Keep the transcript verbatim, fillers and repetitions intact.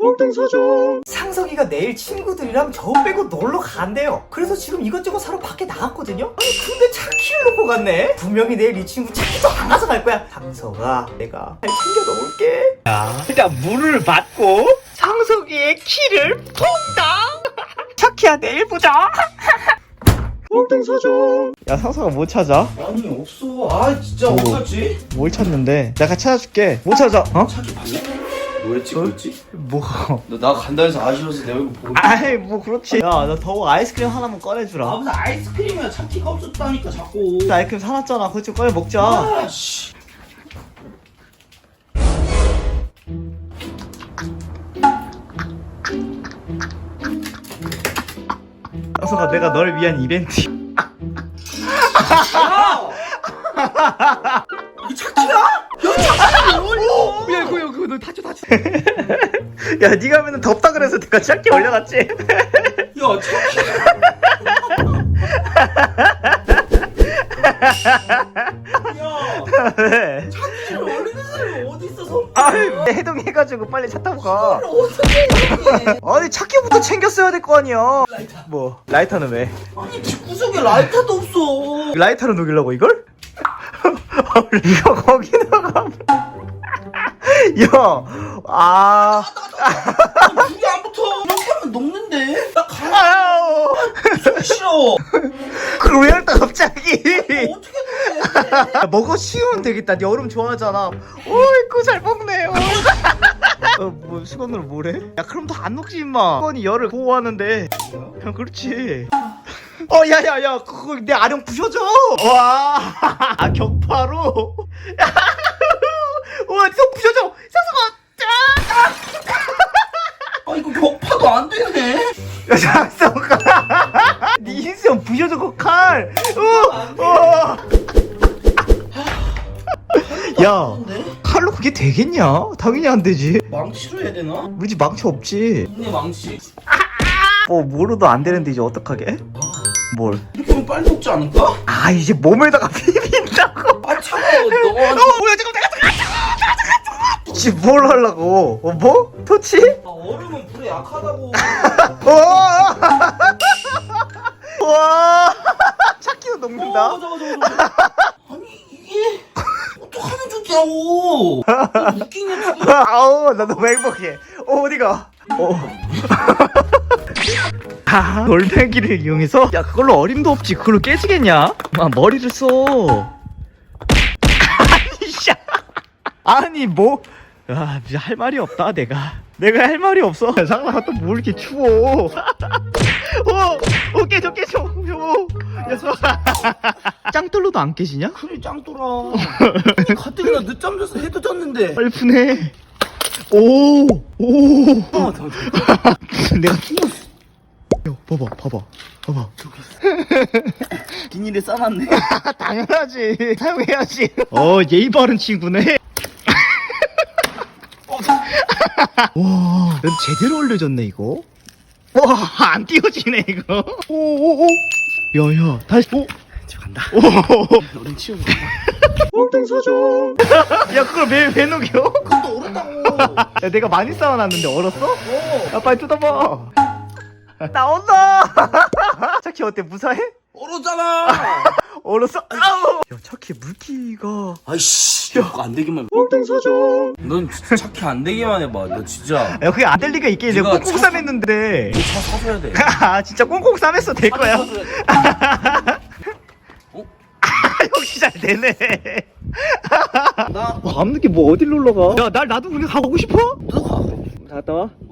몽땅사정. 상석이가 내일 친구들이랑 저 빼고 놀러 간대요. 그래서 지금 이것저것 사러 밖에 나갔거든요. 아니 근데 차키를 놓고 갔네. 분명히 내일 이 친구 차키도 안 가서 갈 거야. 상석아, 내가 잘 챙겨 놓을게. 자, 일단 물을 받고 상석이의 키를 퐁당. 차키야, 내일 보자. 몽땅사정. 야, 상석아 뭐 찾아? 아니 없어. 아 진짜 뭐. 없었지? 뭘 찾는데? 내가 찾아줄게. 뭐 찾아? 어? 차키 봤어? 뭐였지 뭐였지? 뭐? 너 나 간다 해서 아쉬워서 내 얼굴 보고. 아이 뭐 그렇지. 야, 나 더워 아이스크림 하나만 꺼내주라. 아 무슨 아이스크림이야. 차키가 없었다니까 자꾸. 나 아이스크림 사놨잖아. 그거 좀 꺼내 먹자. 아씨. 상석아, 내가 너를 위한 이벤트. 야! 이게 차키야? 야 차키 어울려. 야, 이거 이거 너 다쳐 다쳐. 야, 네가 하면은 덥다 그래서 내가 짧게 올려놨지. 야 차키. 야 왜? 차키를 어울리는 사람이 어디 있어서? 아이, 해동해가지고 빨리 차 타고 가. 어떻게 해? 아니 차키부터 챙겼어야 될 거 아니야. 라이터. 뭐 라이터는 왜? 아니 집구석에 라이터도 없어. 라이터로 녹이려고 이걸? 이거 거기다가. 야, 아. 불이 안 붙어. 이렇게 하면 녹는데. 나 가. 아유. 무슨 싫어. 그걸 왜 할까 갑자기? 어떻게 녹네? 야, 먹어 쉬우면 되겠다. 네 얼음 좋아하잖아. 어이구 잘 먹네. 어이. 어, 뭐 수건으로 뭐래? 야, 그럼 더 안 녹지 임마. 수건이 열을 보호하는데. 야, 그렇지. 어, 야야야, 그거 내 아령 부셔줘. 와, 아, 격파로. 와, 속 부셔줘. 상석아, 짠. 아 이거 격파도 안 되네. 야, 상석아. 네 인생 부셔줘 그 칼. 어, 어. 야, 칼로 그게 되겠냐? 당연히 안 되지. 망치로 해야 되나? 우리 집 망치 없지. 동네 망치. 뭐 뭐로도 안 되는데 이제 어떡하게? 뭘? 이렇게 하면 빨리 녹지 않을까? 아, 이제 몸에다가 비빈다고. 아 차가워. 너무 어, 뭐야 지금 내가 잠깐 지금 뭘 하려고? 어, 뭐? 토치? 아, 얼음은 불에 약하다고. 어! 와, 차키도 녹는다. 어, 맞아, 맞아, 맞아. 아니 이게 어떡하면 좋냐고. 웃기냐 지금. 아우, 나 너무 행복해. 어, 어디가? 어. 아, 돌멩이를 이용해서? 야, 그걸로 어림도 없지. 그걸로 깨지겠냐? 아, 머리를 써. 아니, 씨. 아니, 뭐. 야, 진짜 할 말이 없다, 내가. 내가 할 말이 없어. 상상아, 또 뭐 이렇게 추워. 어, 어, 깨져, 깨져. 어. 야, 저. 짱돌로도 안 깨지냐? 그래 짱돌아. 가뜩이나 늦잠 자서 해도 잤는데. 빨리 푸네. 오, 오. 어, 더, 더. 내가 야, 봐봐, 봐봐, 봐봐. 비닐에 싸놨네. 당연하지. 사용해야지. 어, 예의 바른 친구네. 와, 넌 제대로 올려줬네 이거. 와, 안 띄워지네 이거. 오오오. 야야, 다시. 오. 저 간다. 오. 얼음 치우고. 몽땅사정. 야, 그걸 왜, 왜 녹여? 그것도 얼었다고. 야, 내가 많이 쌓아놨는데 얼었어? 어. 야, 빨리 뜯어봐. 나온다. 차키 어때? 무사해? 얼었잖아. 얼었어? 아우. 야, 차키 물기가. 아이씨. 그거 안 되기만. 몽땅사정. 넌 진짜 차키 안 되기만 해봐. 너 진짜. 야, 그게 안 될 리가 있게. 내가 네가 꽁꽁 차- 싸맸는데. 차 사줘야 돼. 아, 진짜 꽁꽁 싸맸어. 될 거야. 사줘야 돼. 어? 역시 잘 되네. 나 밤늦게 뭐 어딜 놀러 가? 야, 날 나도 그냥 가보고 싶어? 너 가. 갔다 와.